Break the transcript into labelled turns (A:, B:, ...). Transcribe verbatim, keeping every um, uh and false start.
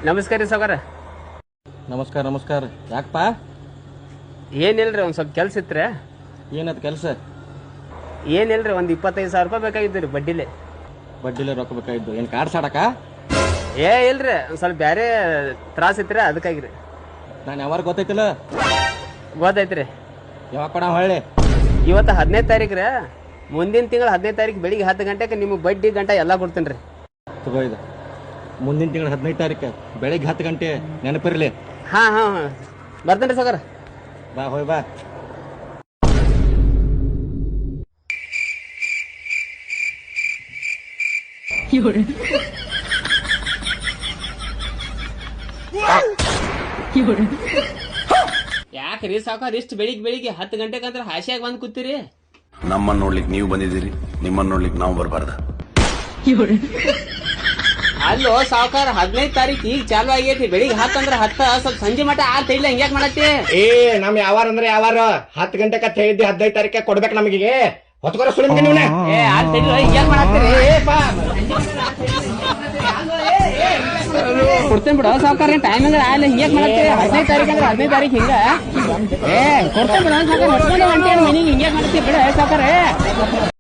A: ನಮಸ್ಕಾರ ರೀ ಸಾವ್ಕಾರ.
B: ನಮಸ್ಕಾರ ನಮಸ್ಕಾರ. ಯಾಕಪ್ಪ?
A: ಏನಿಲ್ರಿ ಒಂದು ಸ್ವಲ್ಪ ಕೆಲಸ ಇತ್ತು ರೀ.
B: ಏನದು ಕೆಲಸ?
A: ಏನಿಲ್ರಿ ಒಂದು ಇಪ್ಪತ್ತೈದು ಸಾವಿರ ರೂಪಾಯಿ ಬೇಕಾಗಿದ್ದು ರೀ ಬಡ್ಡಿಲೆ.
B: ಬಡ್ಡಿಲೆ ರೊಕ್ಕ ಬೇಕಾಗಿದ್ದು? ಏನು ಕಾರ್ಡ್ ಸಾಡಕ?
A: ಏ ಇಲ್ರಿ ಒಂದು ಸ್ವಲ್ಪ ಬೇರೆ ತ್ರಾಸ ಇತ್ತು ರೀ ಅದಕ್ಕಾಗಿ ರೀ.
B: ನಾನು ಯಾವಾಗ ಗೊತ್ತೈತಿಲ್ಲ?
A: ಗೊತ್ತೈತಿ ರೀ.
B: ಯಾವಾಗ ಕೊಡ ಹೊಳ್ಳಿ?
A: ಇವತ್ತು ಹದಿನೈದು ತಾರೀಕು ರೀ. ಮುಂದಿನ ತಿಂಗಳು ಹದಿನೈದು ತಾರೀಕು ಬೆಳಿಗ್ಗೆ ಹತ್ತು ಗಂಟೆಗೆ ನಿಮಗೆ ಬಡ್ಡಿ ಗಂಟೆ ಎಲ್ಲ ಕೊಡ್ತೀನಿ ರೀ.
B: ತಗೋ ಇದು. ಮುಂದಿನ ತಿಂಗಳು ಹದಿನೈದು ತಾರೀಕು ಬೆಳಿಗ್ಗೆ ಹತ್ತು ಗಂಟೆ ನೆನಪಿರಲಿ.
A: ಹಾಂ ಹಾಂ ಹಾಂ ಬರ್ತೇನೆ ರೀ ಸಾವ್ಕಾರ.
B: ಬಾ ಹೋಯ್ ಬಾ.
A: ಯಾಕ್ರಿ ಸಾವ್ಕಾರ ಇಷ್ಟು ಬೆಳಿಗ್ಗೆ ಬೆಳಿಗ್ಗೆ ಹತ್ತು ಗಂಟೆಗೆ ಅಂದ್ರೆ ಹಾಸಿಯಾಗಿ ಬಂದು ಕೂತೀರಿ?
C: ನಮ್ಮನ್ನ ನೋಡ್ಲಿಕ್ಕೆ ನೀವು ಬಂದಿದ್ದೀರಿ, ನಿಮ್ಮನ್ನ ನೋಡ್ಲಿಕ್ಕೆ ನಾವು ಬರಬಾರ್ದ?
A: ಅಲ್ಲೋ ಸಾವ್ಕಾರ ಹದಿನೈದು ತಾರೀಕು ಈಗ ಚಾಲು ಆಗೈತಿ. ಬೆಳಿಗ್ಗೆ ಹತ್ತು ಅಂದ್ರೆ ಹತ್ತ ಸ್ವಲ್ಪ ಸಂಜೆ ಮಟ ಆತ ಇಲ್ಲ ಹಿಂಗ್ಯಾಕ್ ಮಾಡತ್ತಿ?
B: ಏ ನಮ್ ಯಾವಾರ ಅಂದ್ರೆ ಯಾವಾರ ಹತ್ತು ಗಂಟೆಗೆ ಹೇಳಿದ್ದಿ ಹದಿನೈದು ತಾರೀಕ ಕೊಡ್ಬೇಕು ನಮಗೆ. ಹೊತ್ಕೊರ ಸುಳಿ ನೀವು
A: ಏ ಆತ ಹಿಂಗ್ಯಾಕ್ ಮಾಡತ್ತೀರಿ? ಕೊಡ್ತೇನೆ ಬಿಡ ಸಾವ್ಕಾರ. ಟೈಮ್ ಅಂದ್ರೆ ಆಲ್ಲ ಹಿಂಗ್ಯಾಕ್ ಮಾಡತ್ತೀರಿ? ಹದಿನೈದು ತಾರೀಕು ಅಂದ್ರೆ ಹದಿನೈದು ತಾರೀಕು ಹಿಂಗ ಏ ಕೊಡ್ತೇನೆ ಬಿಡ ಸಾವ್ಕಾರ. ಮನಿಗೆ ಹಿಂಗ್ಯಾಕ್ ಮಾಡತ್ತೀರಿ? ಬಿಡ ಸಾವ್ಕಾರ.